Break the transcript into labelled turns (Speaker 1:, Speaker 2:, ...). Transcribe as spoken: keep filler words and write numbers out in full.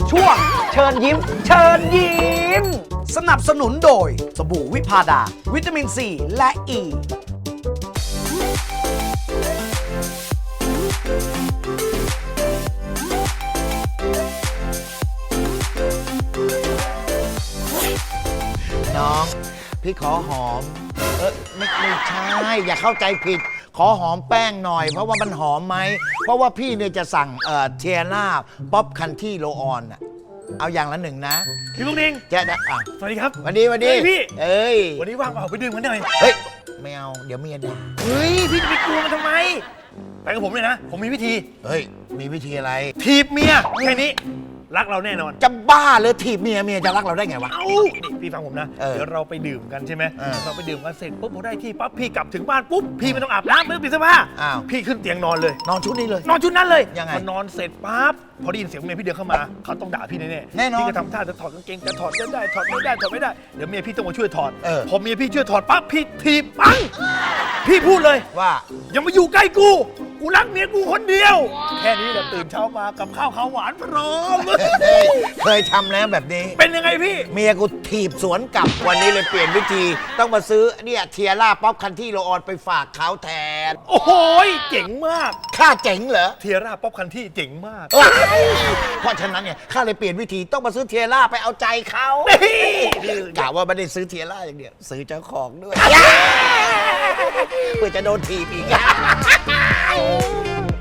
Speaker 1: ช่วงเชิญยิ้ม เชิญยิ้ม สนับสนุนโดยสบู่วิพาดา วิตามินซีและอ e. ี
Speaker 2: น้องพี่ขอหอมเออไม่ไม่ใช่อย่าเข้าใจผิดขอหอมแป้งหน่อยเพราะว่ามันหอมไหมเพราะว่าพี่เนี่ยจะสั่งเอ่อเทียร่าป๊อปคันที่โรออนอะเอาอย่างละหนึ่งนะ
Speaker 3: พี่ลุงนิง
Speaker 2: จะได้อ่ะ
Speaker 3: สวัสดีครับ
Speaker 2: วันดีวันดี
Speaker 3: เฮ้ยพี่
Speaker 2: เอ้ย
Speaker 3: วันนี้ว่างเปล่าไปดื่มกันหน่อย
Speaker 2: เฮ้ยไม่เอาเดี๋ยวเมียด่า
Speaker 3: เฮ้ยพี่จะไปกลัวมันทำไมไปกับผมเลยนะผมมีวิธี
Speaker 2: เฮ้ยมีวิธีอะไร
Speaker 3: ถีบเมียแค่นี้รักเราแน่นอน
Speaker 2: จะบ้าเลยถีบเมียเมียจะรักเราได้ไงวะ
Speaker 3: เอ้านี่พี่ฟังผมนะ
Speaker 2: เออ
Speaker 3: เดี๋ยวเราไปดื่มกันใช่ไหม
Speaker 2: เออ
Speaker 3: เราไปดื่มกันเสร็จปุ๊บพอได้ที่ปั๊บพี่กลับถึงบ้านปุ๊บพี่ไม่ต้องอาบน้ำไม่ต้องเปลี่ยนเสื้อผ้า
Speaker 2: อ้าว
Speaker 3: พี่ขึ้นเตียงนอนเลย
Speaker 2: นอนชุดนี้เลย
Speaker 3: นอนชุดนั้นเลย
Speaker 2: ยังไง
Speaker 3: พอนอนเสร็จปั๊บพอได้ยินเสียงเมียพี่เดินเข้ามาเขาต้องด่าพี่แน่
Speaker 2: แน่นอน
Speaker 3: พี่ก็ทำท่าจะถอดกางเกงจะถอดไม่ได้ถอดไม่ได้ถอดไม่ได้เดี๋ยวเมียพี่ต้องมาช่วยถอด
Speaker 2: เออ
Speaker 3: พอเมียพี่ช่วยถอดปั๊บพี่ถีบปังพี่พูดเลย
Speaker 2: ว่า
Speaker 3: อย่ามาอยู่ใกล้กู กูรักเมียกูคนเดียว แค่นี้แหละตื่นเช้ามากับข้าวขาวหวานพร้อม
Speaker 2: เฮ้ยเคยทำแล้วแบบนี้
Speaker 3: เป็นยังไงพี่
Speaker 2: เมียกูถีบสวนกลับวันนี้เลยเปลี่ยนวิธีต้องมาซื้อเนี่ยเทียร่าป๊อปคันที่โรออนไปฝากเขาแทน
Speaker 3: โอ้โหเจ๋งมาก
Speaker 2: ค่าเจ๋งเหรอ
Speaker 3: เทียร่าป๊อปคันที่เจ๋งมาก
Speaker 2: เอ้ยเพราะฉะนั้นเนี่ยข้าเลยเปลี่ยนวิธีต้องมาซื้อเทียร่าไปเอาใจเขากะว่าไม่ได้ซื้อเทียร่าอย่างเดียวซื้อเจ้าของด้วยเพื่อจะโดนถีบอีก